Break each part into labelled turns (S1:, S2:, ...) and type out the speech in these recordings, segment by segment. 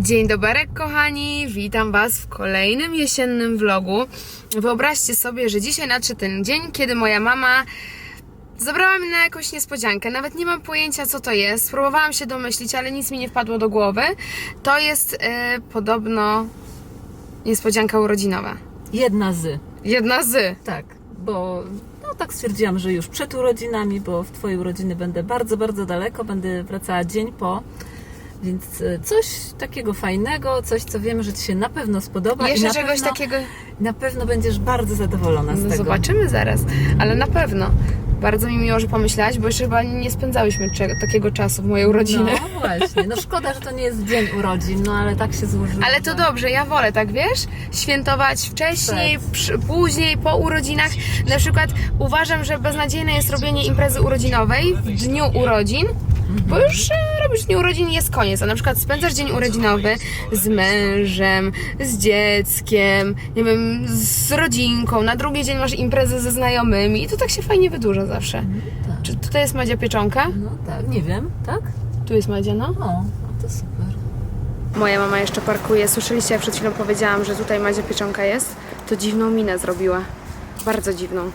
S1: Dzień dobry kochani, witam Was w kolejnym jesiennym vlogu. Wyobraźcie sobie, że dzisiaj nadszedł ten dzień, kiedy moja mama zabrała mnie na jakąś niespodziankę. Nawet nie mam pojęcia, co to jest. Spróbowałam się domyślić, ale nic mi nie wpadło do głowy. To jest podobno niespodzianka urodzinowa.
S2: Jedna z.
S1: Tak,
S2: bo tak stwierdziłam, że już przed urodzinami, bo w Twojej urodziny będę bardzo, bardzo daleko, będę wracała dzień po. Więc coś takiego fajnego, coś, co wiemy, że Ci się na pewno spodoba.
S1: Jeszcze
S2: i na
S1: czegoś
S2: pewno,
S1: takiego.
S2: Na pewno będziesz bardzo zadowolona z tego.
S1: Zobaczymy zaraz, ale na pewno. Bardzo mi miło, że pomyślałaś, bo jeszcze chyba nie spędzałyśmy takiego czasu w mojej urodziny.
S2: No właśnie, no szkoda, że to nie jest dzień urodzin, no ale tak się złożyło.
S1: Ale to dobrze, ja wolę, tak wiesz? Świętować wcześniej, później, po urodzinach. Na przykład uważam, że beznadziejne jest robienie imprezy urodzinowej w dniu urodzin, bo już robisz dniu urodzin i jest koniec. A na przykład spędzasz dzień urodzinowy z mężem, z dzieckiem, nie wiem, z rodzinką. Na drugi dzień masz imprezę ze znajomymi i to tak się fajnie wydłuża zawsze.
S2: Tak.
S1: Czy tutaj jest Madzia Pieczonka?
S2: No tak, nie wiem, tak?
S1: Tu jest Madzia, no.
S2: O, to super.
S1: Moja mama jeszcze parkuje. Słyszeliście, jak przed chwilą powiedziałam, że tutaj Madzia Pieczonka jest? To dziwną minę zrobiła. Bardzo dziwną.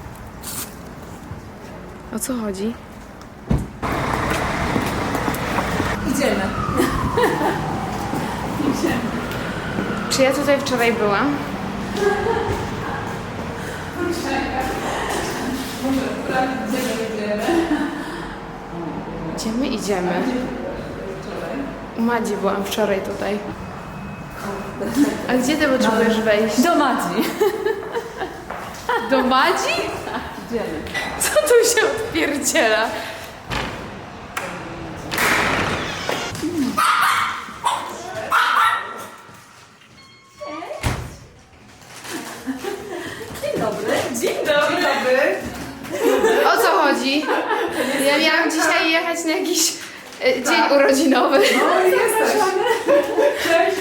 S1: O co chodzi?
S2: Idziemy.
S1: Czy ja tutaj wczoraj byłam? Gdzie my idziemy? U Madzi byłam wczoraj tutaj. A gdzie ty potrzebujesz wejść?
S2: Do Madzi.
S1: Do Madzi?
S2: Idziemy.
S1: Co tu się odpierdziela?
S2: Dzień dobry.
S3: Dzień dobry.
S1: O co chodzi? Ja miałam dzisiaj jechać na jakiś dzień urodzinowy.
S3: No i jesteś. Cześć.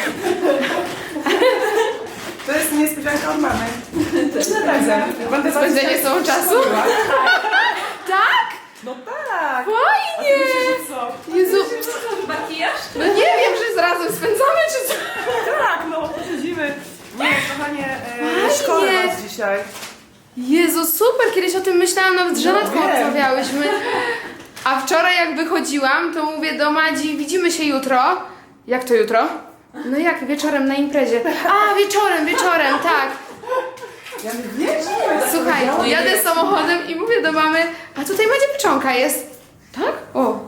S3: To jest niespodzianka od mamy. Będę
S1: Spędzenie z tobą czasu? Tak?
S3: No tak.
S1: Fajnie!
S3: Co?
S1: Jezu,
S2: Makijaż?
S1: no nie wiem, że razem spędzamy, czy co?
S3: Tak, no, siedzimy. Nie, kochanie,
S1: Fajnie.
S3: szkołę was dzisiaj.
S1: Jezu, super! Kiedyś o tym myślałam, nawet z Żanetką
S3: wiem.
S1: rozmawiałyśmy. A wczoraj jak wychodziłam, to mówię do Madzi, widzimy się jutro. Jak to jutro? No jak, wieczorem na imprezie. A, wieczorem, tak.
S3: Ja nie wiem.
S1: Słuchaj, jadę samochodem i mówię do mamy, a tutaj Madzia Pieczonka jest. Tak? O.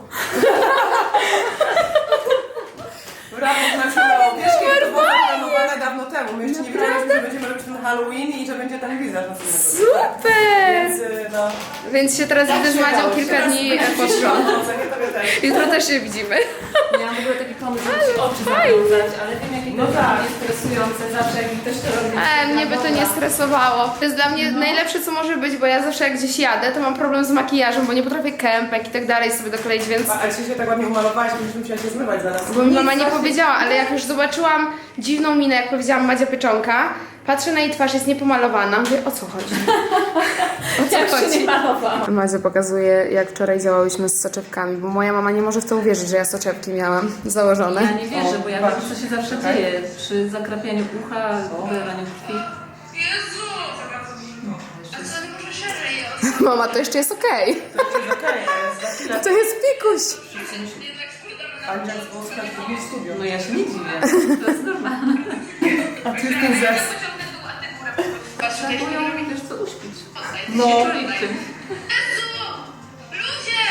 S3: Brawo, znaczy, wiesz, kiedy to było zaplanowane dawno temu. My jeszcze nie wiedzieliśmy, że będziemy robić ten Halloween i że będzie ten gwiazd następnego.
S1: Super!
S3: Więc, no.
S1: Więc się teraz widzę z Madzią kilka dni poszło. Jutro też się widzimy.
S2: Miałam w ogóle taki pomysł, żeby ci oczy zawiązać, ale wiem, jakie
S3: No
S2: to
S3: tak.
S2: jest stresujące zawsze, jak ktoś to robi.
S1: Mnie by to nie stresowało. To jest dla mnie najlepsze, co może być, bo ja zawsze jak gdzieś jadę, to mam problem z makijażem, bo nie potrafię kępek i tak dalej sobie dokleić, więc...
S3: Ale się tak ładnie umalowałaś, będziesz musiała się zmywać zaraz.
S1: Bo mi mama nie powiedziała, ale jak już zobaczyłam dziwną minę, jak powiedziałam Madzia Pieczonka, patrzę na jej twarz, jest niepomalowana, mówię, o co chodzi? O co chodzi? Madzia pokazuje, jak wczoraj działałyśmy z soczewkami, bo moja mama nie może w to uwierzyć, że ja soczewki miałam założone.
S2: Ja nie wierzę, bo ja wiem, co się zawsze dzieje przy zakrapianiu ucha, wylewaniu krwi.
S4: Jezu! A co, nie może szerzej jest?
S1: Mama, to jeszcze jest okej. To jest pikuś.
S3: Andrzej z Włoska w drugim studiu.
S2: No ja się nie dziwię, to jest normalne.
S3: A ty ten zes.
S4: Pociągnę dół, a ty górę. Patrz,
S2: Trzeba było ją, wiesz co, uśpić.
S3: No.
S2: Nie czuli w tym.
S4: Jezu! Ludzie!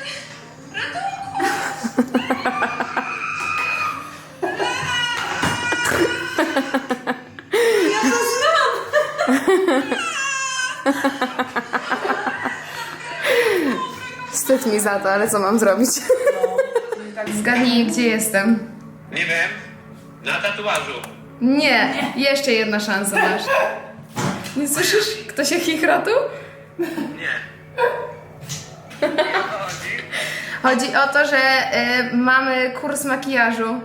S4: Ratunku!
S1: Wstyd mi za to, ale co mam zrobić? Zgadnij, gdzie jestem.
S5: Nie wiem. Na tatuażu.
S1: Nie, jeszcze jedna szansa masz. Nie słyszysz? Kto się chichra tu?
S5: Nie.
S1: Chodzi o to, że mamy kurs makijażu.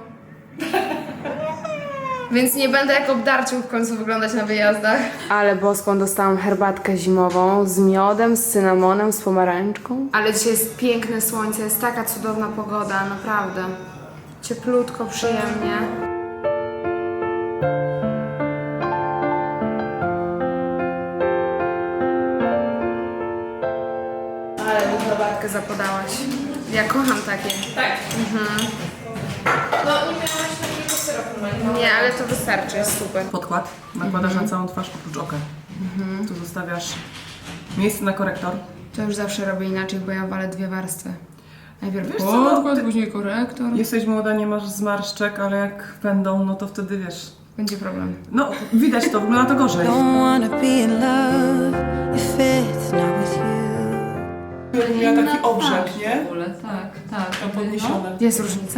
S1: Więc nie będę jak obdarciu w końcu wyglądać na wyjazdach. Ale boską dostałam herbatkę zimową z miodem, z cynamonem, z pomarańczką. Ale dzisiaj jest piękne słońce, jest taka cudowna pogoda, naprawdę. Cieplutko, przyjemnie. Ale mi herbatkę zapodałaś. Ja kocham takie.
S3: Tak.
S1: No nie miałaś takiego syropu. Nie, ale to wystarczy, jest super.
S3: Podkład nakładasz na całą twarz oprócz oka. Tu zostawiasz miejsce na korektor.
S1: To już zawsze robię inaczej, bo ja walę 2 warstwy. Najpierw
S3: Wiesz co,
S1: podkład, później korektor.
S3: Jesteś młoda, nie masz zmarszczek, ale jak będą, no to wtedy wiesz.
S1: Będzie problem.
S3: No, widać to, wygląda to gorzej.
S6: Don't wanna be in love if it's not with you.
S3: Miała taki obrzeg, nie?
S2: W ogóle, tak.
S3: Tam podniesione.
S1: Jest różnica?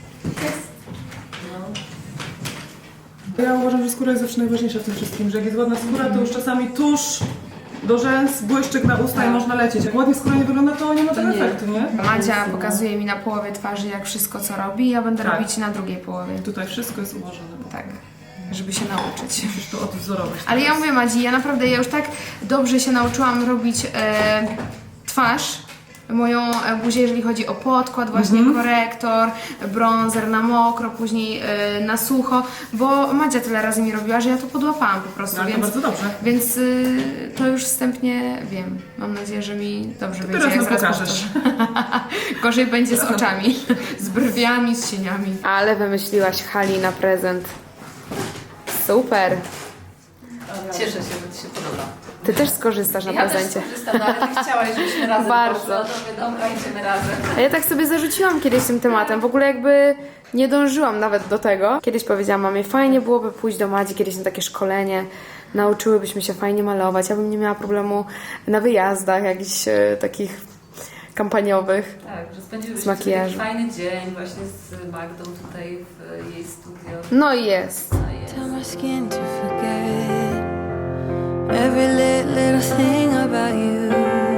S3: Ja uważam, że skóra jest zawsze najważniejsza w tym wszystkim, że jak jest ładna skóra, to już czasami tusz do rzęs, błyszczyk na usta i można lecieć. Jak ładnie skóra nie wygląda, to nie ma tego efektu, nie?
S1: Madzia pokazuje mi na połowie twarzy, jak wszystko co robi, ja będę robić na drugiej połowie.
S3: Tutaj wszystko jest ułożone.
S1: Tak, żeby się nauczyć.
S3: Musisz to odwzorować.
S1: Ale ja mówię Madzi, ja naprawdę, ja już tak dobrze się nauczyłam robić twarz, moją buzię, jeżeli chodzi o podkład, właśnie korektor, bronzer na mokro, później na sucho, bo Madzia tyle razy mi robiła, że ja to podłapałam po prostu,
S3: No, ale to
S1: więc,
S3: bardzo dobrze.
S1: więc to już wstępnie wiem. Mam nadzieję, że mi dobrze wyjdzie,
S3: teraz
S1: jak
S3: nam
S1: zaraz
S3: pokażesz.
S1: powtórzę. Gorzej będzie z oczami, z brwiami, z cieniami. Ale wymyśliłaś Hali na prezent. Super.
S2: Cieszę się, że Ci się podoba.
S1: Ty też skorzystasz na prezencie.
S2: Ja też skorzystam, no, ale Ty chciałaś, żebyśmy razem
S1: Bardzo.
S2: poszły. No to mówię, dobra, idziemy razem.
S1: A ja tak sobie zarzuciłam kiedyś tym tematem, w ogóle jakby nie dążyłam nawet do tego. Kiedyś powiedziałam mamie, fajnie byłoby pójść do Madzi kiedyś na takie szkolenie, nauczyłybyśmy się fajnie malować, ja bym nie miała problemu na wyjazdach jakichś takich kampaniowych.
S2: Tak, że spędziłyśmy
S1: Z makijażu.
S2: taki fajny dzień właśnie z Magdą tutaj w jej studio.
S1: No i jest.
S6: Tell my skin to forget every little thing about you.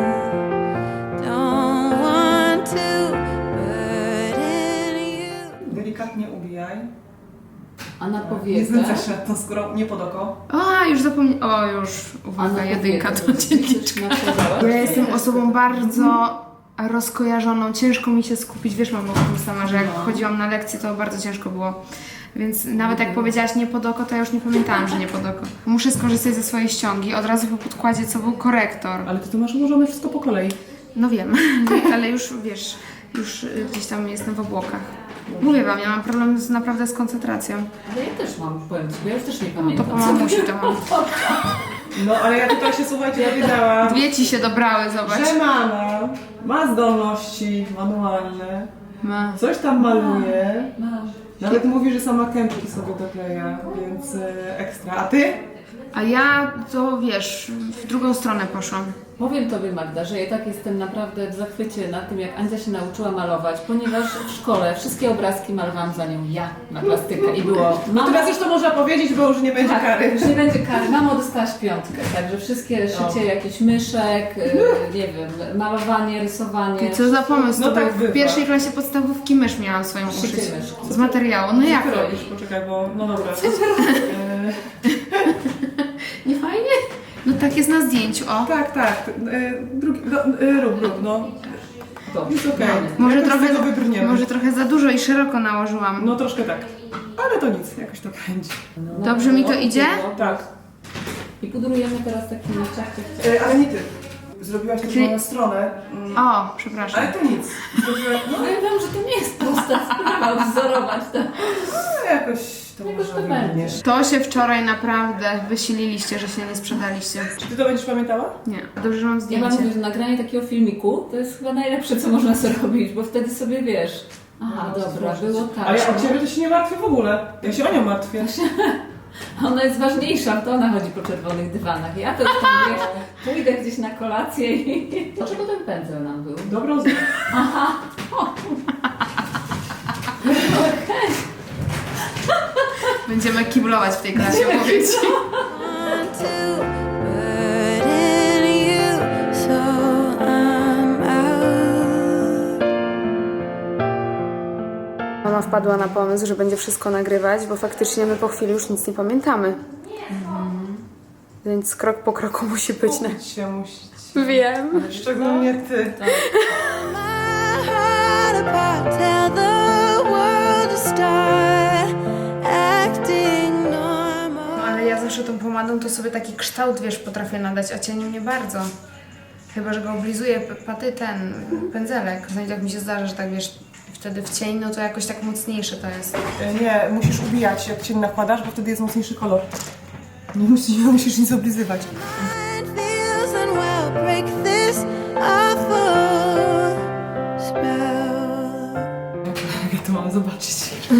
S6: Don't want to burden you.
S3: Delikatnie ubijaj.
S2: A na
S3: Nie
S2: powiekę?
S3: znęcaj się nad tą skórą, nie pod oko.
S1: O, już zapomniałam. O, już.
S2: A
S1: Uwaga,
S2: na
S1: jedynka
S2: powiekę?
S1: to dzienniczka. Ja jestem osobą bardzo rozkojarzoną. Ciężko mi się skupić. Wiesz, mamo, o tym sama, że jak chodziłam na lekcje, to bardzo ciężko było. Więc nawet jak powiedziałaś nie pod oko, to ja już nie pamiętałam, że nie pod oko. Muszę skorzystać ze swojej ściągi. Od razu po podkładzie, co był korektor.
S3: Ale ty to masz ułożone wszystko po kolei.
S1: No wiem, ale już wiesz, już gdzieś tam jestem w obłokach. Mówię wam, ja mam problem naprawdę z koncentracją.
S2: Ale ja też mam, powiem Ci, bo ja już też nie
S1: To
S2: pamiętam.
S1: po mamusi to mam.
S3: No, ale ja tutaj się, słuchajcie, dowiedziałam,
S1: Dwie ci się dobrały, zobacz.
S3: że mama ma zdolności manualne,
S1: Ma.
S3: coś tam maluje,
S2: Mam.
S3: nawet mówi, że sama kępki sobie dokleja, więc ekstra. A ty?
S1: A ja to wiesz, w drugą stronę poszłam.
S2: Powiem Tobie, Magda, że ja tak jestem naprawdę w zachwycie nad tym, jak Andzia się nauczyła malować, ponieważ w szkole wszystkie obrazki malowałam za nią ja na plastykę i było...
S3: No teraz już to można powiedzieć, bo już nie będzie
S2: Tak,
S3: kary.
S2: już nie będzie kary. Mamo, dostałaś 5, także wszystkie szycie jakichś myszek, nie wiem, malowanie, rysowanie.
S1: I co za pomysł,
S3: No
S1: to
S3: tak
S1: był w
S3: bywa.
S1: pierwszej klasie podstawówki mysz miałam swoją
S2: Szycie
S1: uszyć.
S2: myszki.
S1: Z materiału, no jak
S3: Co ty
S1: to?
S3: robisz? Poczekaj, bo no dobra.
S1: Nie fajnie? No tak jest na zdjęciu, o.
S3: Tak, tak. Drugi, rób, no.
S2: Dobrze.
S3: Jest okej.
S1: Może
S3: Jakoś z tego
S1: trochę,
S3: wybrniemy.
S1: może trochę za dużo i szeroko nałożyłam.
S3: No troszkę tak. Ale to nic, jakoś to będzie.
S1: Dobrze mi to idzie?
S3: Tak.
S2: I pudrujemy teraz takimi ciach.
S3: Ale nie ty. Zrobiłaś też
S1: Czyli-
S3: moją stronę.
S1: O, przepraszam.
S3: Ale to nic. Zrobiłaś, no
S2: Powiem Wam, że to nie jest prosta sprawa odwzorować to.
S3: jakoś to
S2: Jakoś
S3: może
S2: to będzie.
S3: wybrniesz.
S1: To się wczoraj naprawdę wysililiście, że się nie sprzedaliście.
S3: Czy ty to będziesz pamiętała?
S1: Nie, dobrze, że mam
S2: Ja
S1: zdjęcie.
S2: Wam mówię, że nagranie takiego filmiku to jest chyba najlepsze, co można zrobić, bo wtedy sobie wiesz. Aha, dobra, było tak.
S3: Ale ja o ciebie to się nie martwię w ogóle. Ja się o nią martwię.
S2: Ona jest ważniejsza, to ona chodzi po czerwonych dywanach. Ja to już tam, wiesz, pójdę gdzieś na kolację i... Dlaczego ten pędzel nam był?
S3: Dobrą znak.
S1: Będziemy kiblować w tej klasie, mówię ci.
S6: Want to burden you, so I'm out.
S1: Mama wpadła na pomysł, że będzie wszystko nagrywać, bo faktycznie my po chwili już nic nie pamiętamy. Więc krok po kroku musi być.
S3: Uczyć się musić.
S1: Wiem.
S3: Szczególnie jak ty.
S6: My heart apart, tell the world to
S1: pomadą to sobie taki kształt, wiesz, potrafię nadać, a cieniem nie bardzo. Chyba że go oblizuję pędzelek. Znaczy, jak mi się zdarza, że tak wiesz, wtedy w cień, no to jakoś tak mocniejsze to jest.
S3: Nie, musisz ubijać, jak cień nakładasz, bo wtedy jest mocniejszy kolor. Nie musisz nic oblizywać.
S6: Mind feels unwell, break this awful spell.
S3: Jak ja to mam zobaczyć?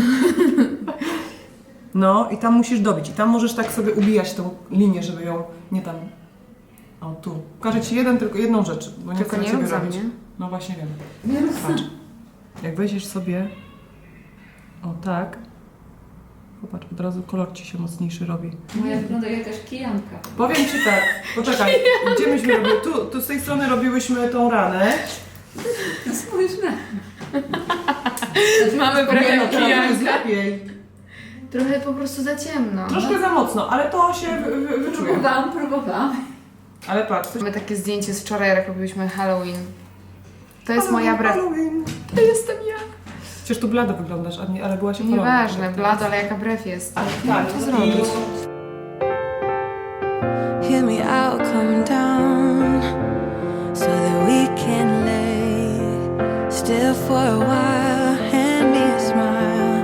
S3: No i tam musisz dobić. I tam możesz tak sobie ubijać tą linię, żeby ją nie tam... O, tu. Pokażę Ci tylko jedną rzecz, bo nie
S1: Tylko
S3: chcę
S1: nie
S3: Ciebie
S1: rób za
S3: robić.
S1: mnie.
S3: No właśnie wiem. Patrz. Jak weźmiesz sobie... O, tak. Popatrz, od razu kolor Ci się mocniejszy robi.
S2: Moja wygląda jak jakaś kijanka.
S3: Powiem Ci tak, poczekaj, gdzie myśmy robili? Tu z tej strony robiłyśmy tą ranę.
S2: Spójrz na...
S1: Mamy
S3: Nie,
S1: trochę
S3: no teraz jest
S1: kijanka.
S3: lepiej.
S1: Trochę po prostu za ciemno.
S3: Troszkę za mocno, ale to się wyczuje.
S2: Próbowałam.
S3: Ale patrz, to
S1: Mamy takie zdjęcie z wczoraj, jak robiliśmy Halloween. To jest moja brew.
S3: Halloween.
S1: To jestem ja.
S3: Przecież tu blado wyglądasz, ale byłaś opalona.
S1: Nieważne, blado, ale jaka brew jest.
S3: Tak,
S1: Co zrobić?
S6: Hear me out, come down, so that we can lay still for a while. Hand me a smile.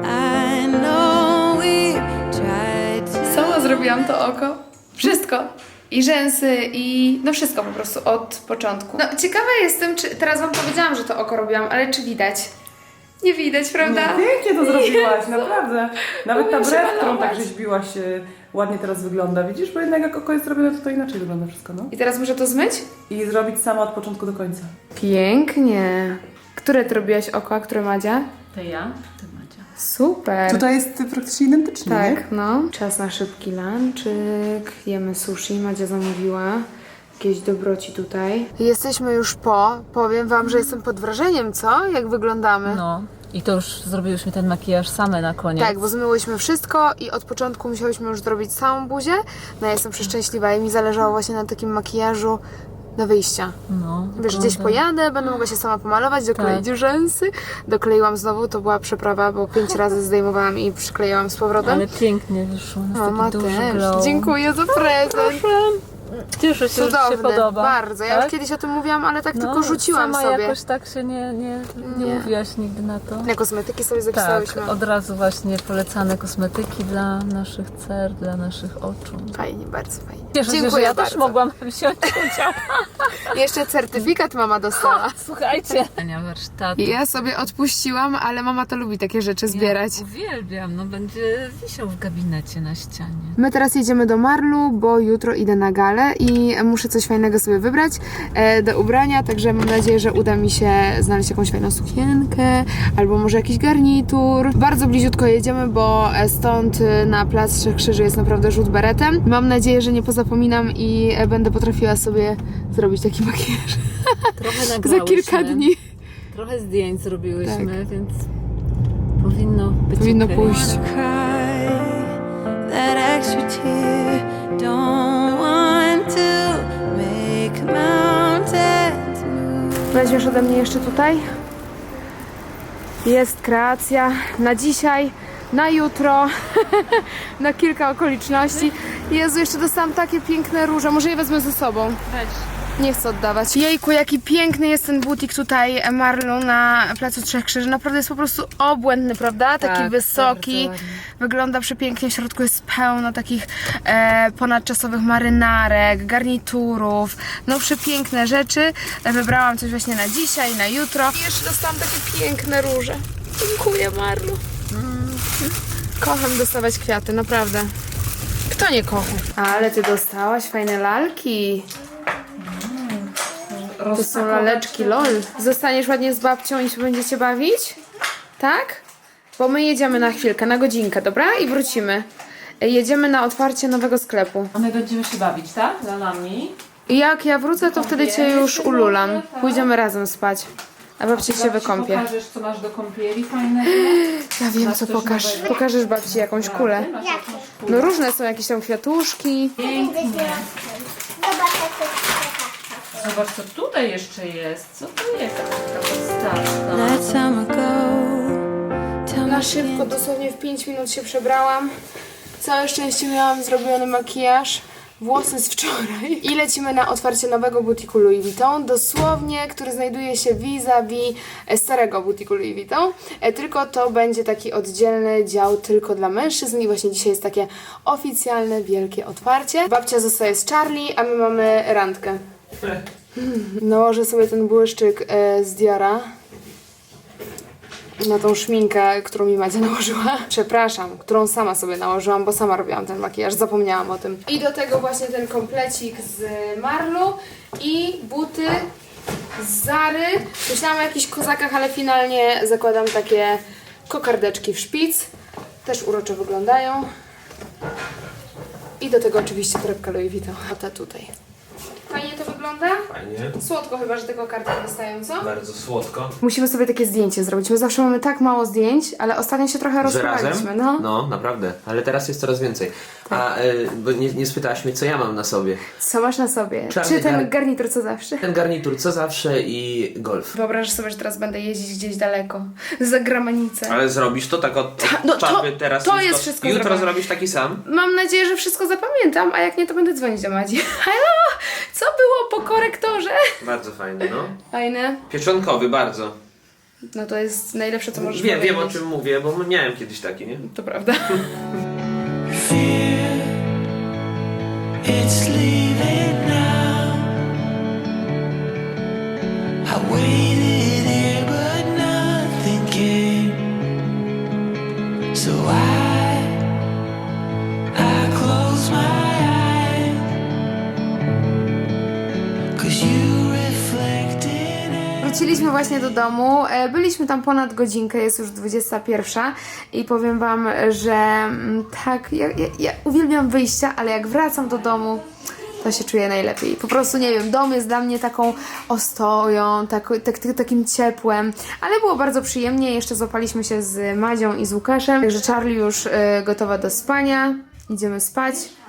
S6: I know we tried to.
S1: Sama zrobiłam to oko. Wszystko. I rzęsy, i no wszystko po prostu od początku. No ciekawa jestem, czy teraz wam powiedziałam, że to oko robiłam, ale czy widać? Nie widać, prawda?
S3: Pięknie to zrobiłaś, naprawdę. Nawet ta
S1: Umiem się
S3: brew, którą tak
S1: malować.
S3: rzeźbiłaś, ładnie teraz wygląda. Widzisz, bo jednak jak oko jest zrobione, to inaczej wygląda wszystko, no.
S1: I teraz muszę to zmyć?
S3: I zrobić sama od początku do końca.
S1: Pięknie. Które ty robiłaś oko, a które Madzia?
S2: To ja, ty Madzia.
S1: Super.
S3: Tutaj jest praktycznie identycznie, nie?
S1: Tak, no. Czas na szybki lunchik. Jemy sushi. Madzia zamówiła. Jakieś dobroci tutaj. Jesteśmy już powiem wam, że jestem pod wrażeniem, co? Jak wyglądamy.
S2: No. I to już zrobiłyśmy ten makijaż same na koniec.
S1: Tak, bo zmyłyśmy wszystko i od początku musiałyśmy już zrobić całą buzię. No ja jestem przeszczęśliwa i mi zależało właśnie na takim makijażu do wyjścia.
S2: No,
S1: Wiesz, gdzieś pojadę, będę mogła się sama pomalować, dokleić rzęsy. Dokleiłam znowu, to była przeprawa, bo 5 razy zdejmowałam i przyklejałam z powrotem.
S2: Ale pięknie wyszło, jest
S1: Mama
S2: taki duży
S1: też.
S2: glow.
S1: Dziękuję za prezent.
S2: Cieszę się, że Ci się
S1: Cudowny,
S2: podoba.
S1: bardzo. Ja już
S2: Tak?
S1: kiedyś o tym mówiłam, ale tak
S2: No,
S1: tylko rzuciłam
S2: sama
S1: sobie.
S2: jakoś tak się nie mówiłaś nigdy na to.
S1: Na kosmetyki sobie
S2: Tak,
S1: zapisałyśmy.
S2: od razu właśnie polecane kosmetyki dla naszych cer, dla naszych oczu.
S1: Fajnie, bardzo fajnie.
S2: Cieszę się, że
S1: Dziękuję
S2: ja
S1: bardzo.
S2: też mogłam wziąć udział.
S1: Jeszcze certyfikat mama dostała.
S2: Słuchajcie. Warsztat.
S1: I ja sobie odpuściłam, ale mama to lubi takie rzeczy zbierać.
S2: Uwielbiam, no będzie wisiał w gabinecie na ścianie.
S1: My teraz jedziemy do Marlu, bo jutro idę na galę i muszę coś fajnego sobie wybrać do ubrania, także mam nadzieję, że uda mi się znaleźć jakąś fajną sukienkę albo może jakiś garnitur. Bardzo bliziutko jedziemy, bo stąd na Plac Trzech Krzyży jest naprawdę rzut beretem. Mam nadzieję, że nie pozapominam i będę potrafiła sobie zrobić taki makijaż
S2: Trochę
S1: za
S2: nagrałyśmy.
S1: kilka dni.
S2: Trochę zdjęć zrobiłyśmy, więc powinno być
S1: Powinno
S2: okej.
S1: pójść.
S6: Cry that extra tear. Don't want to make mountains move.
S1: Weźmiesz ode mnie jeszcze tutaj. Jest kreacja na dzisiaj, na jutro, na kilka okoliczności. Jezu, jeszcze dostałam takie piękne róże. Może je wezmę ze sobą.
S2: Weź.
S1: Nie chcę oddawać. Jejku, jaki piękny jest ten butik tutaj Marlu na Placu Trzech Krzyży. Naprawdę jest po prostu obłędny, prawda? Taki
S2: Tak,
S1: wysoki.
S2: bardzo ładnie.
S1: Wygląda przepięknie. W środku jest pełno takich ponadczasowych marynarek, garniturów. No przepiękne rzeczy. Wybrałam coś właśnie na dzisiaj, na jutro. I jeszcze dostałam takie piękne róże. Dziękuję, Marlu. Kocham dostawać kwiaty, naprawdę. Kto nie kocha? Ale ty dostałaś fajne lalki. To są laleczki, lol. Zostaniesz ładnie z babcią i się będziecie bawić? Tak? Bo my jedziemy na chwilkę, na godzinkę, dobra? I wrócimy. Jedziemy na otwarcie nowego sklepu.
S2: A my będziemy się bawić, tak? Lalami.
S1: I jak ja wrócę, to wtedy cię już ululam. Pójdziemy razem spać. A babci się wykąpie.
S2: Pokażesz, co masz do kąpieli fajnego?
S1: Ja wiem,
S2: Masz
S1: co
S2: coś
S1: pokaż.
S2: nowego?
S1: Pokażesz babci jakąś kulę.
S2: Masz jakąś kulę.
S1: No różne są, jakieś tam kwiatuszki.
S2: Zobacz, co tutaj jeszcze jest. Co to jest? Taka podstawka.
S6: Let summer go. Tell
S1: Na
S6: me
S1: szybko, dosłownie w 5 minut się przebrałam. Całe szczęście miałam zrobiony makijaż. Włosy z wczoraj. I lecimy na otwarcie nowego butiku Louis Vuitton, dosłownie, który znajduje się vis-a-vis starego butiku Louis Vuitton, tylko to będzie taki oddzielny dział tylko dla mężczyzn i właśnie dzisiaj jest takie oficjalne, wielkie otwarcie. Babcia zostaje z Charlie, a my mamy randkę. Nałożę sobie ten błyszczyk z Diora na tą szminkę, którą mi Madzia nałożyła. Przepraszam, którą sama sobie nałożyłam, bo sama robiłam ten makijaż, zapomniałam o tym. I do tego właśnie ten komplecik z Marlu i buty z Zary. Myślałam o jakichś kozakach, ale finalnie zakładam takie kokardeczki w szpic. Też urocze wyglądają. I do tego oczywiście torebka Louis Vuitton. A ta tutaj. Fajnie to wygląda?
S5: Fajnie.
S1: Słodko chyba, że tego karty wystają, co?
S5: Bardzo słodko.
S1: Musimy sobie takie zdjęcie zrobić. My zawsze mamy tak mało zdjęć, ale ostatnio się trochę
S7: Że razem?
S1: rozpływaliśmy. No.
S7: No, naprawdę. Ale teraz jest coraz więcej. A bo nie spytałaś mnie, co ja mam na sobie.
S1: Co masz na sobie?
S7: Czarny
S1: Czy ten
S7: gar-
S1: garnitur co zawsze?
S7: Ten garnitur, co zawsze i golf.
S1: Wyobrażasz sobie, że teraz będę jeździć gdzieś daleko. Za granicę.
S7: Ale zrobisz to tak od
S1: no to-
S7: czapy teraz.
S1: to
S7: już
S1: jest wszystko
S7: Jutro
S1: zrobione.
S7: zrobisz taki sam?
S1: Mam nadzieję, że wszystko zapamiętam, a jak nie, to będę dzwonić do Madzi. Halo! Co było po korektorze?
S7: Bardzo fajny, no.
S1: Fajne.
S7: Pieczonkowy, bardzo.
S1: No to jest najlepsze, co możesz
S7: Wiem
S1: powiedzieć.
S7: o czym mówię, bo miałem kiedyś taki, nie?
S1: To prawda.
S8: It's leaving now. I waited here, but nothing came. So I close my eyes, 'cause you reflected.
S1: Wróciliśmy właśnie do domu. Byliśmy tam ponad godzinkę, jest już 21 i powiem wam, że tak, ja uwielbiam wyjścia, ale jak wracam do domu, to się czuję najlepiej. Po prostu nie wiem, dom jest dla mnie taką ostoją, takim ciepłem, ale było bardzo przyjemnie. Jeszcze złapaliśmy się z Madzią i z Łukaszem, także Charlie już gotowa do spania. Idziemy spać.